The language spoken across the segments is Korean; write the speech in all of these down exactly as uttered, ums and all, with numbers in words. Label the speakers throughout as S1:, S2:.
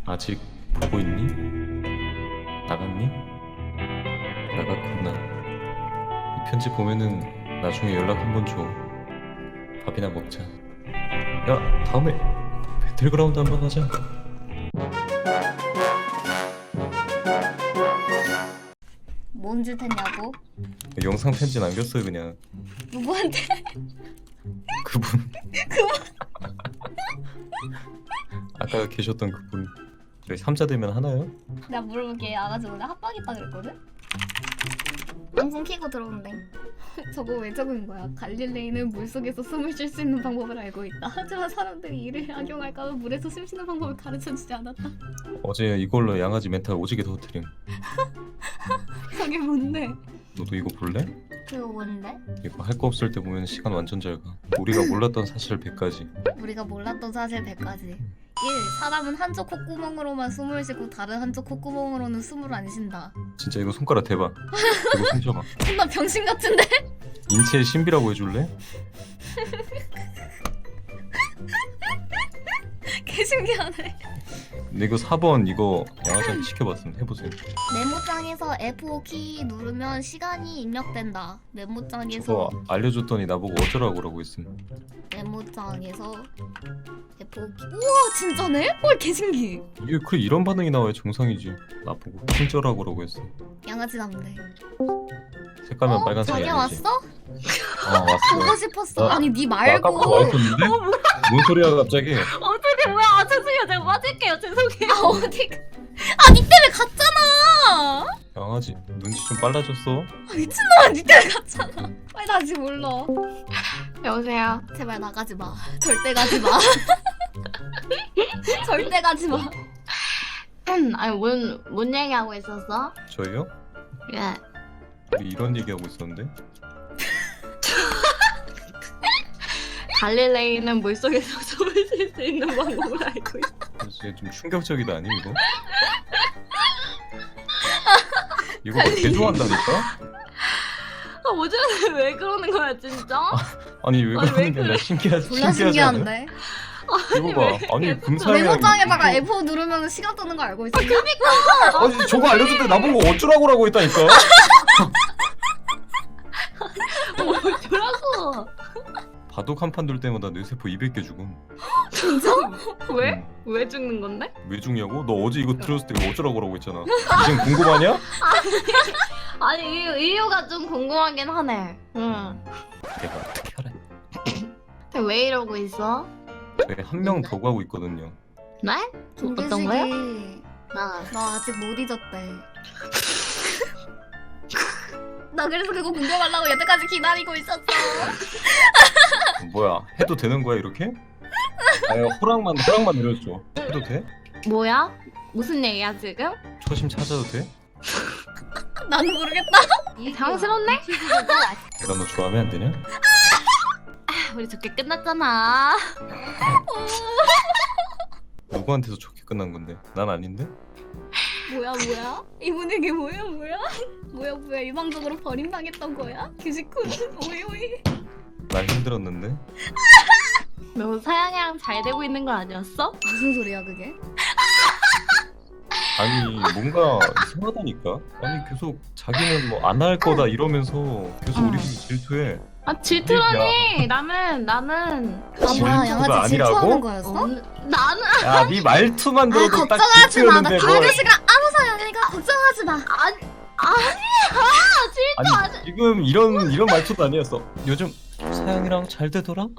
S1: 아직 보고 있니? 나갔니? 나갔구나. 이 편지 보면은 나중에 연락 한번 줘. 밥이나 먹자. 야, 다음에 배틀그라운드 한번 하자.
S2: 뭔 짓 했냐고?
S1: 영상 편지 남겼어요 그냥.
S2: 누구한테?
S1: 그분. 아까 계셨던 그분. 저희 삼자 되면 하나요?
S2: 내가 물어볼게. 아가씨 오늘 합방 있다 그랬거든? 방송 키고 들어온대. 저거 왜 적은 거야? 갈릴레이는 물속에서 숨을 쉴 수 있는 방법을 알고 있다. 하지만 사람들이 이를 악용할까봐 물에서 숨 쉬는 방법을 가르쳐주지 않았다.
S1: 어제 이걸로 양아지 멘탈 오지게 터뜨림.
S2: 저게 뭔데?
S1: 너도 이거 볼래?
S2: 그거 뭔데?
S1: 이거 할 거 없을 때 보면 시간 완전 잘 가. 우리가 몰랐던 사실 백 가지.
S2: 우리가 몰랐던 사실 백 가지. 일. 사람은 한쪽 콧구멍으로만 숨을 쉬고 다른 한쪽 콧구멍으로는 숨을 안 쉰다.
S1: 진짜 이거 손가락 대봐. 이거 훔쳐봐.
S2: 존나 병신 같은데?
S1: 인체의 신비라고 해줄래?
S2: 개 신기하네.
S1: 근데 이거 사 번 이거 양아지한테 시켜봤음. 해보세요.
S2: 메모장에서 에프 오 키 누르면 시간이 입력된다. 메모장에서
S1: 저거 알려줬더니 나보고 어쩌라고 그러고 있음.
S2: 메모장에서 에프 오 키. 우와 진짜네? 헐 개신기.
S1: 이게 그래 이런 반응이 나와야 정상이지. 나보고 훔쳐라고 그러고 있어.
S2: 양아치 남대.
S1: 색깔만
S2: 어?
S1: 빨간색이
S2: 자기야
S1: 아니지.
S2: 왔어?
S1: 어
S2: 보고
S1: 왔어.
S2: 싶었어.
S1: 어?
S2: 아니 니
S1: 나
S2: 말고.
S1: 아까부터 와 있었는데? 뭔 소리야 갑자기?
S3: 어떻게 뭐야? 아 죄송해요. 제가 빠질게요. 죄송해요.
S2: 아 어디? 아니 때문에 갔잖아.
S1: 양아지 눈치 좀 빨라졌어.
S2: 아, 미친놈아 니 때문에 갔잖아. 빨리 다시 불러.
S3: 여보세요.
S2: 제발 나가지 마. 절대 가지 마. 절대 가지 마.
S3: 아니 뭔, 뭔 얘기하고 있었어?
S1: 저희요?
S3: 예.
S1: 우리 이런 얘기하고 있었는데?
S3: 갈릴레이는 물속에서 숨을 쉴 수 있는 방법을 알고 있어.
S1: 진짜 좀 충격적이다 아니 이거? 이거 개 좋아한다니까?
S3: 아 어제는 왜 그러는 거야 진짜?
S1: 아니 왜
S3: 아니,
S1: 그러는
S3: 왜
S1: 게 아니라
S3: 그래?
S1: 신기하지
S2: 졸라
S1: 신기하지 않아?
S2: 신기한데.
S1: 이거 봐 아니 금사야
S2: 메모장에다가 에프 오 누르면 시간 뜨는 거 알고 있어?
S1: 아니 저거 알려줄 때 나보고 어쩌라고라고 했다니까.
S3: 뭐라고?
S1: 바둑 한 판 둘 때마다 뇌세포 이백 개 죽음.
S2: 진짜?
S3: 왜?
S1: 음.
S3: 왜 죽는 건데?
S1: 왜 죽냐고? 너 어제 이거 들었을 때 이거 어쩌라고 그러고 했잖아. 지금 궁금하냐?
S3: 아니 이유, 이유가 좀 궁금하긴 하네. 응.
S1: 내가 어떻게 알아?
S3: 근데 왜 이러고 있어?
S1: 저희 한 명 더 가고 있거든요.
S3: 네? 어떤 거요?
S2: 김규식이
S3: 나.
S2: 나 아직 못 잊었대. 나 그래서 그거 궁금하려고 여태까지 기다리고 있었어.
S1: 뭐야 해도 되는 거야 이렇게? 아니 허락만 허락만 내려줘. 해도 돼?
S3: 뭐야? 무슨 얘기야 지금?
S1: 초심 찾아도 돼?
S2: 나는 모르겠다.
S3: 당황스럽네?
S1: 내가 너 좋아하면 안 되냐?
S3: 우리 좋게 끝났잖아.
S1: 누구한테서 좋게 끝난 건데? 난 아닌데?
S2: 뭐야 뭐야? 이분에게 뭐야 뭐야? 뭐야 뭐야 일방적으로 버림당했던 거야? 규식군 오이 오이.
S1: 난 힘들었는데?
S3: 너 사양이랑 잘 되고 있는 거 아니었어?
S2: 무슨 소리야 그게?
S1: 아니 뭔가 이상하다니까? 아니 계속 자기는 뭐 안 할 거다 이러면서 계속
S3: 응.
S1: 우리 집이 질투해.
S3: 아 질투라니. 나는 나는
S2: 아 뭐야
S1: 질투가
S2: 양아치
S1: 아니라고?
S2: 질투하는 거였어?
S3: 어, 나는
S1: 야 네 말투만
S2: 아
S1: 들어도 딱
S2: 걱정하지 마. 나
S1: 질투였는데 뭘.
S2: 강아지가 아무 사연이니까 걱정하지 마.
S3: 아니 아니야 질투
S1: 아니
S3: 아니.
S1: 지금 이런 이런 말투도 아니었어. 요즘 사연이랑 잘 되더라?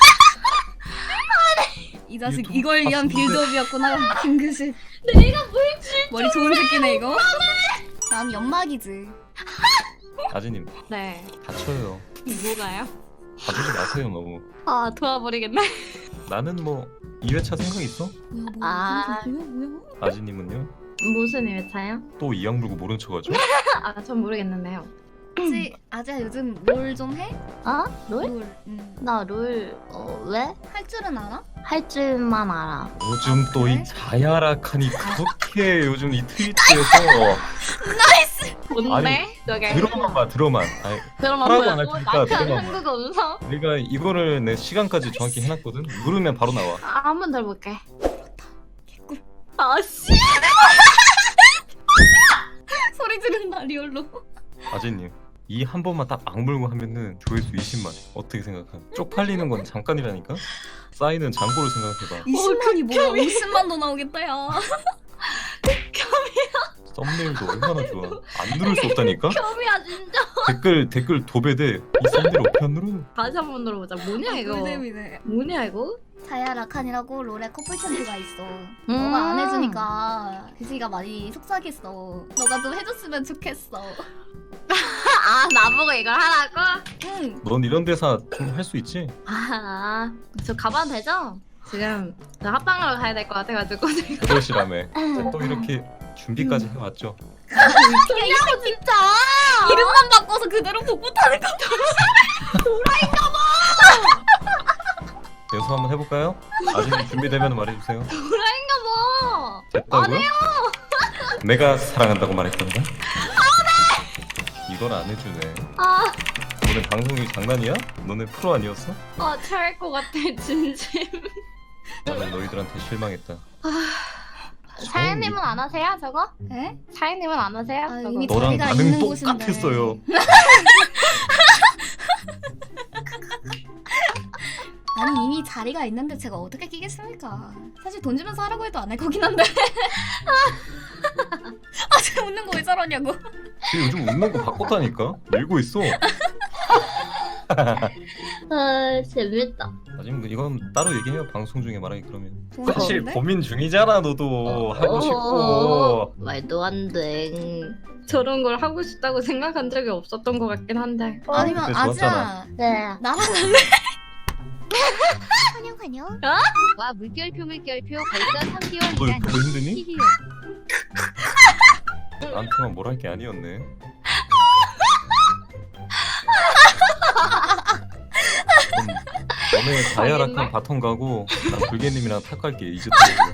S2: 이 자식
S1: 유튜브
S2: 이걸 위한
S1: 봤는데.
S2: 빌드업이었구나. 김규식
S3: 내가 뭘 질투?
S2: 머리 좋은 새끼네 이거. 난 연막이지.
S1: 아지님
S3: 네.
S1: 다쳐요.
S3: 뭐가요?
S1: 봐주지 마세요 너무.
S3: 아 도와버리겠네.
S1: 나는 뭐 이 회차 생각 있어?
S2: 뭐야 뭐야
S3: 아.
S2: 뭐야 뭐야?
S1: 아지님은요?
S3: 무슨 일차요?
S1: 또 이악 물고 모른 척하죠?
S3: 아 전 모르겠는데요.
S2: 혹시 아재야 요즘 롤 좀 해?
S3: 아 롤?
S2: 롤. 응.
S3: 나 롤 어, 왜?
S2: 할 줄은 알아?
S3: 할 줄만 알아.
S1: 요즘 또
S2: 그래?
S1: 이 자야락하니 그렇게 요즘 이 트위치에서
S3: 뭔데? 저게
S1: 들어만 봐 들어만. 아니,
S3: 그럼
S1: 하라고
S3: 뭐야?
S1: 안 할
S3: 뭐
S1: 테니까
S3: 낙한
S1: 들어만 봐.
S3: 한국어 음성?
S1: 내가 이거를 내 시간까지 정확히 해놨거든. 누르면 바로 나와.
S3: 아, 한 번 더 해볼게.
S2: 개꿀.
S3: 아씨.
S2: 소리 지른다 리얼로.
S1: 아재님 이 한 번만 딱 악물고 하면은 조회수 이십만. 어떻게 생각함? 쪽팔리는 건 잠깐이라니까? 쌓이는 잔고를 생각해봐.
S2: 이십만이 뭐야? 오십만도 나오겠다 야.
S1: 썸네일도 얼마나 좋아. 안 누를 수 없다니까?
S3: 겸이야 진짜.
S1: 댓글 댓글 도배돼. 이 썸네일 어떻게 안 누르?
S3: 다시 한 번 들어보자. 뭐냐 이거?
S2: 꿀잼이네.
S3: 뭐냐 이거?
S2: 자야 라칸이라고 롤에 커플 챔프가 있어.
S3: 음.
S2: 너가 안 해주니까 규식이가 많이 속삭였어. 너가 좀 해줬으면 좋겠어.
S3: 아 나보고 이걸 하라고?
S2: 응.
S1: 넌 이런 대사 좀 할 수 있지?
S3: 아, 저 가봐도 되죠? 지금 저 합방으로 가야 될 것 같아가지고 지금.
S1: 그러시라며. 또 이렇게 준비까지 해왔죠.
S3: 뭐냐고 진짜!
S2: 이름만 바꿔서 그대로 복붙하는 거.
S1: 연습 한번 해볼까요? 아직 준비되면 말해주세요.
S3: 도라인가 봐!
S1: 됐다고요? 내가 사랑한다고 말했던가? 이걸 안 해주네.
S3: 아,
S1: 너네 방송이 장난이야? 너네 프로 아니었어?
S3: 아, 체할 것 같아, 진심.
S1: 나는 너희들한테 실망했다.
S3: 사연님은 안 하세요, 저거?
S2: 에?
S3: 사연님은 안 하세요,
S2: 아,
S3: 저거?
S2: 이미
S1: 너랑
S2: 자리가
S1: 반응
S2: 있는 곳인데.
S1: 똑같았어요.
S2: 아니 이미 자리가 있는데 제가 어떻게 끼겠습니까? 사실 돈 주면서 하라고 해도 안 할 거긴 한데. 아, 쟤 웃는 거 왜 저러냐고.
S1: 쟤 요즘 웃는 거 바꿨다니까? 밀고 있어.
S3: 아, 재밌다.
S1: 아직 이건 따로 얘기해요. 방송 중에 말하기 그러면.
S2: 좋은
S1: 사실
S2: 건데?
S1: 고민 중이잖아 너도. 하고 싶고.
S3: 말도 안 돼. 저런 걸 하고 싶다고 생각한 적이 없었던 것 같긴 한데.
S2: 아니면
S1: 그때
S2: 아지야
S1: 좋았잖아.
S3: 네.
S2: 나랑 할래? 환영 환영.
S4: 와 물결표 물결표 벌써 삼
S1: 너
S4: 개월이라니
S1: 그거 힘드니?
S4: 히히요.
S1: 나한테만 뭘 할 게 아니었네. 그럼 너네 다이아락한 바텀 가고 난 불개님이랑 탑 갈게. 이제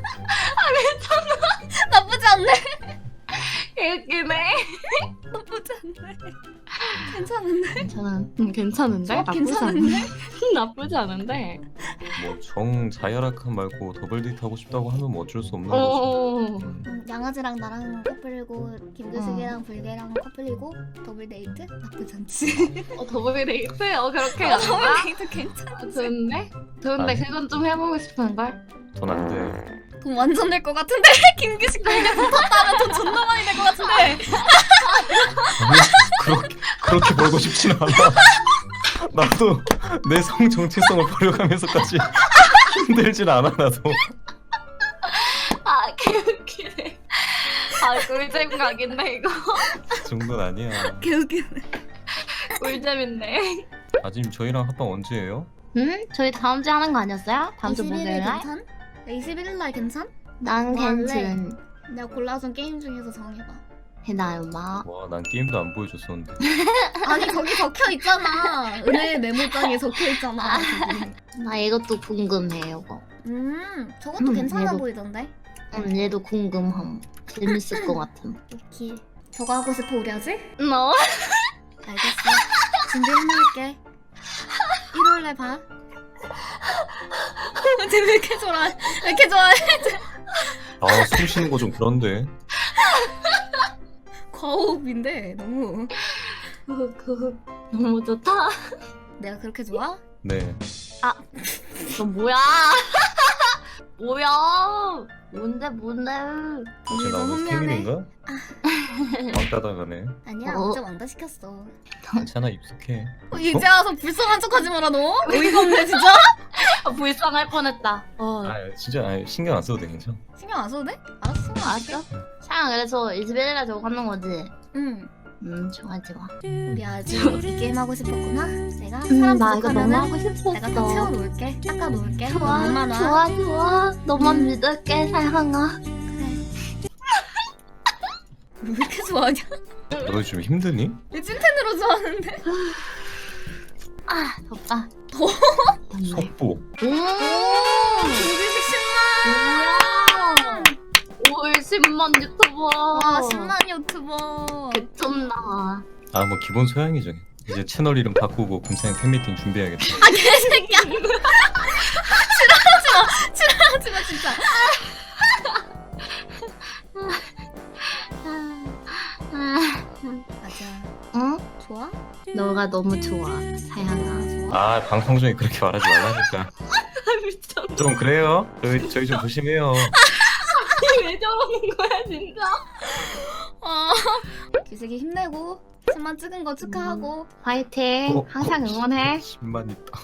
S2: 나쁘지 않네.
S3: 웃기네.
S2: 나쁘지 않네. 괜찮은데?
S3: 괜찮아. 음, 괜찮은데?
S2: 어,
S3: 나쁘지
S2: 괜찮은데?
S3: 않... 나쁘지 않은데?
S1: 뭐정 자이아락한 말고 더블 데이트 하고 싶다고 하면 뭐 어쩔 수 없는 거지.
S3: 어.
S1: 음.
S2: 음, 양아지랑 나랑 커플이고 김규식이랑 불개랑 커플이고 더블 데이트? 나쁘지 않지.
S3: 어, 더블 데이트? 어, 그렇게
S2: 어, 더블
S3: 간다?
S2: 데이트 괜찮아.
S3: 좋은데? 좋은데
S1: 아니.
S3: 그건 좀 해보고 싶은걸?
S1: 전 안 돼.
S2: 돈 완전 낼 것 같은데? 김규식 불개 붙었다 하면 돈 존나 많이 낼 것 같은데?
S1: 아니, 그렇게 그렇게 벌고 싶진 않아. 나도 내 성 정체성을 버려가면서까지 힘들진 않아 나도.
S3: 아, 개웃기네. 아, 꿀잼 각인데, 이거.
S1: 그 정도는 아니야.
S2: 개웃기네.
S3: 꿀잼인데.
S1: 아짐 저희랑 합방 언제예요?
S3: 응? 저희 다음 주에 하는 거 아니었어요? 다음 주
S2: 이십일 일
S3: 목요일 날?
S2: 괜찮? 이십일 일 날 괜찮?
S3: 난
S2: 뭐 할래?
S3: 괜찮.
S2: 내가 골라준 게임 중에서 정해봐.
S3: 해나요, 마.
S1: 와 난 게임도 안 보여줬었는데.
S2: 아니 거기 적혀 있잖아. 은혜 메모장에 적혀 있잖아.
S3: 나 이것도 궁금해, 이거.
S2: 음, 저것도
S3: 음,
S2: 괜찮아
S3: 얘도-
S2: 보이던데.
S3: 응, 얘도 궁금함. 재밌을 것 같음.
S2: 오케이. 저거 하고 싶어 우리 하지?
S3: 너?
S2: 알겠어. 준비 해놓을게. 일월에 봐. 쟤왜 이렇게 좋아해? 왜 이렇게 좋아해?
S1: 아 숨 쉬는 거 좀 그런데.
S2: 과호흡인데 너무.
S3: 너무 좋다.
S2: 내가 그렇게 좋아?
S1: 네.
S3: 너 뭐야? 뭐야? 뭔데, 뭔데?
S2: 언니
S1: 제가
S2: 너무
S1: 오늘
S2: 미안해.
S1: 생일인가? 왕따다 가네.
S2: 아니야,
S3: 어.
S2: 어제 왕따 시켰어.
S1: 괜찮아 익숙해.
S2: 어, 이제 와서 불쌍한 척하지 마라 너. 어이가 없네 진짜.
S3: 아, 불쌍할 뻔했다. 어.
S1: 아 진짜 아, 신경 안 써도 돼 괜찮아.
S2: 신경 안 써도 돼? 알았어.
S3: 알았어? 샤, 그래서 이십일 일에 저거 하는 거지?
S2: 응.
S3: 음, 좋아, 좋아.
S2: 우리 아직 이 게임 하고 싶었구나. 내가
S3: 음,
S2: 사람
S3: 나 이거 너무
S2: 부족하면은
S3: 하고 싶었어.
S2: 내가 다 채워놓을게. 닦아놓을게.
S3: 좋아,
S2: 얼마나?
S3: 좋아, 좋아. 너만
S2: 음.
S3: 믿을게, 사랑아.
S2: 그래. 왜 이렇게 좋아하냐?
S1: 너 요즘 힘드니?
S2: 왜 찐텐으로 좋아하는데?
S3: 아, 덥다.
S2: 더워?
S3: 덥네.
S1: 속보.
S3: 오!
S2: 김규식
S3: 뭐야? 올 십만 유튜버.
S2: 십만! 와 십만 유튜버.
S3: 개쩐다.
S1: 아 뭐 기본 소양이죠. 이제 채널 이름 바꾸고 금사양 팬미팅 준비해야겠다.
S2: 아 개새끼야. 싫어하지 마. 싫어하지 마 진짜.
S3: 너가 너무 좋아, 사양아.
S1: 아 방송 중에 그렇게 말하지 말라니까.
S3: 미쳤.
S1: 좀 그래요. 저희 저희 좀 조심해요.
S3: 왜 저러는 거야 진짜?
S2: 어. 규식이 힘내고 십만 찍은 거 축하하고
S3: 화이팅.
S1: 어,
S3: 항상 응원해.
S1: 십만 있다.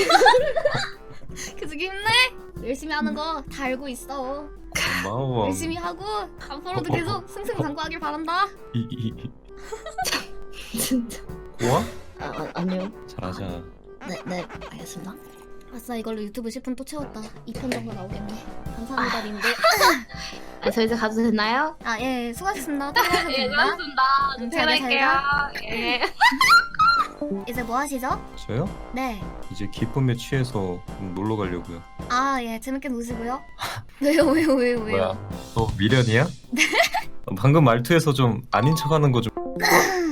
S2: 규식이 힘내. 열심히 하는 거 다 알고 있어.
S1: 고마워.
S2: 열심히 하고 앞으로도
S1: 어, 어,
S2: 계속 승승장구하길 바란다.
S1: 이, 이, 이.
S3: 진짜.
S1: 고와?
S2: 아, 아 아니요.
S1: 잘하자.
S2: 네, 네, 알겠습니다. 아싸, 이걸로 유튜브 십 분 또 채웠다. 이 편 정도 나오겠네. 감사합니다, 님들.
S3: 아, 저 이제 가도 되나요?
S2: 아, 예, 수고하셨습니다.
S3: 예,
S2: 퇴근하셨습니다.
S3: 고맙습니다.
S2: 음,
S3: 저 퇴근할게요.
S2: 잘
S3: 예.
S2: 이제 뭐 하시죠?
S1: 저요?
S2: 네.
S1: 이제 기쁨에 취해서 놀러 가려고요.
S2: 아, 예, 재밌게 노시고요. 왜요, 왜요, 왜요, 왜요?
S1: 뭐야? 너 미련이야? 네. 방금 말투에서 좀 아닌 척하는 거 좀.